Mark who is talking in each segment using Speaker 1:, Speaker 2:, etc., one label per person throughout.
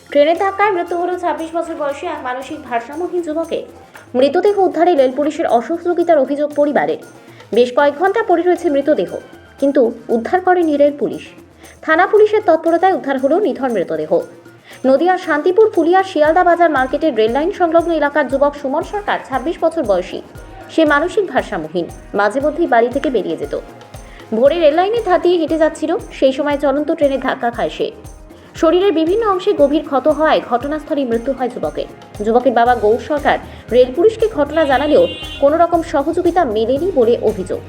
Speaker 1: ট্রেনের ধাক্কায় মৃত্যু হল ২৬ বছর বয়সী এক মানসিক ভারসাম্যহীন যুবকের। মৃতদেহ উদ্ধারে রেল পুলিশের অসহযোগিতার অভিযোগ পরিবারের। বেশ কয়েক ঘন্টা পড়ে রয়েছে মৃতদেহ, কিন্তু উদ্ধার করেনি রেল পুলিশ। থানা পুলিশের তৎপরতায় উদ্ধার হল নিথর মৃতদেহ। নদিয়ার শান্তিপুর ফুলিয়ার শিয়ালদা বাজার মার্কেটের রেল লাইন সংলগ্ন এলাকার যুবক সুমন সরকার ২৬ বছর বয়সী। সে মানসিক ভারসাম্যহীন, মাঝে মধ্যেই বাড়ি থেকে বেরিয়ে যেত। ভোরে রেল লাইনের ধার দিয়ে হেঁটে যাচ্ছিল, সেই সময় চলন্ত ট্রেনের ধাক্কা খায় সে। শরীরের বিভিন্ন অংশে গভীর ক্ষত হওয়ায় ঘটনাস্থলেই মৃত্যু হয় যুবকের। যুবকের বাবা গৌর সরকার রেল পুলিশকে ঘটনা জানালেও কোনো রকম সহযোগিতা মেলেনি বলে অভিযোগ।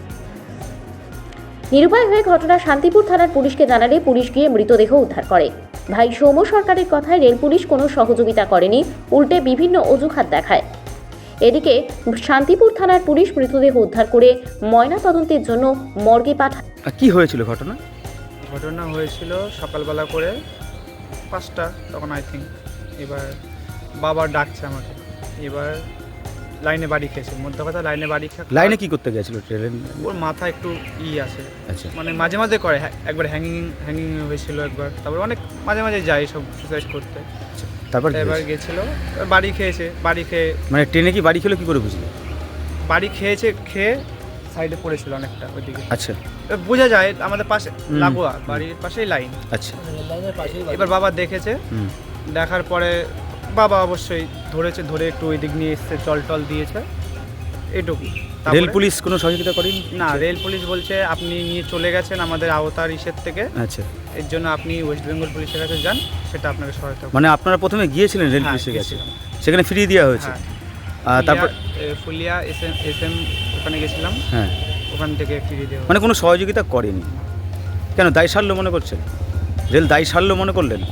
Speaker 1: নিরুপায় হয়ে ঘটনা শান্তিপুর থানার পুলিশকে জানালে পুলিশ গিয়ে মৃতদেহ উদ্ধার করে। ভাই সৌম সরকারের কথায় রেল পুলিশ কোনো সহযোগিতা করেনি, উল্টে বিভিন্ন অজুহাত দেখায়। এদিকে শান্তিপুর থানার পুলিশ মৃতদেহ উদ্ধার করে ময়না তদন্তের জন্য মর্গে পাঠায়।
Speaker 2: কি হয়েছিল ঘটনা?
Speaker 3: ঘটনা হয়েছিল সকালবেলা করে 5টা, তখন আই থিঙ্ক। এবার বাবা ডাকছে আমাকে, এবার লাইনে বাড়ি খেয়েছে। মধ্যে কথা লাইনে বাড়ি
Speaker 2: লাইনে কি করতে গেছিল ট্রেন?
Speaker 3: ওর মাথা একটু আছে,
Speaker 2: আচ্ছা,
Speaker 3: মানে মাঝে মাঝে করে। একবার হ্যাঙ্গিং হয়েছিল একবার, তারপর অনেক মাঝে মাঝে যায় সব সুসাইড করতে।
Speaker 2: তারপর
Speaker 3: এবার গেছিল, বাড়ি খেয়েছে। বাড়ি খেয়ে
Speaker 2: মানে ট্রেনে কি বাড়ি খেলো কি করে বুঝলি?
Speaker 3: বাড়ি খেয়ে সাইডে পড়েছিল অনেকটা ওইদিকে।
Speaker 2: আচ্ছা,
Speaker 3: বোঝা যায় আমাদের পাশে লাগোয়া, বাড়ির পাশেই লাইন।
Speaker 2: আচ্ছা,
Speaker 3: এবার বাবা দেখেছে, দেখার পরে বাবা অবশ্যই ধরে একটু ওই দিক নিয়ে এসছে, টল দিয়েছে, এইটুকু।
Speaker 2: রেল পুলিশ কোনো সহযোগিতা করেনি?
Speaker 3: না, রেল পুলিশ বলছে আপনি নিয়ে চলে গেছেন আমাদের আওতার ইসের থেকে,
Speaker 2: আচ্ছা,
Speaker 3: এর জন্য আপনি ওয়েস্ট বেঙ্গল পুলিশের কাছে যান, সেটা আপনাকে সহায়তা করবে।
Speaker 2: মানে আপনারা প্রথমে গিয়েছিলেন রেল পুলিশের কাছে, সেখানে ফিরিয়ে দেওয়া হয়েছে। তারপর
Speaker 3: ফুলিয়া এসএম ওখানে গেছিলাম,
Speaker 2: হ্যাঁ,
Speaker 3: ওখান থেকে ফিরিয়ে দেওয়া।
Speaker 2: মানে কোনো সহযোগিতা করেনি কেন? দায় সারলো মনে করছেন? রেল দায় সারলো মনে করলেন?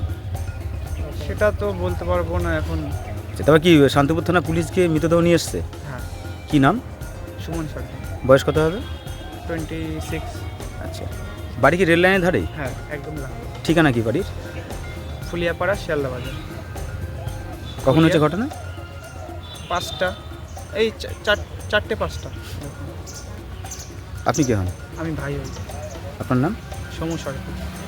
Speaker 3: সেটা তো বলতে পারবো না এখন।
Speaker 2: তারপর কি শান্তিপুর থানা পুলিশ গিয়ে মৃতদেহ নিয়ে এসছে?
Speaker 3: হ্যাঁ।
Speaker 2: কি নাম?
Speaker 3: সুমন সরকার।
Speaker 2: বয়স কত হবে?
Speaker 3: 26।
Speaker 2: আচ্ছা, বাড়ি কি রেল লাইনের ধারেই?
Speaker 3: হ্যাঁ, একদম লাগবে।
Speaker 2: ঠিকানা কি বাড়ির?
Speaker 3: ফুলিয়াপাড়া, শিয়ালদা বাজার।
Speaker 2: কখন হচ্ছে ঘটনা?
Speaker 3: 5টা, এই 4টে 5টা।
Speaker 2: আপনি কে হন?
Speaker 3: আমি ভাই হই।
Speaker 2: আপনার নাম?
Speaker 3: সমু সরকার।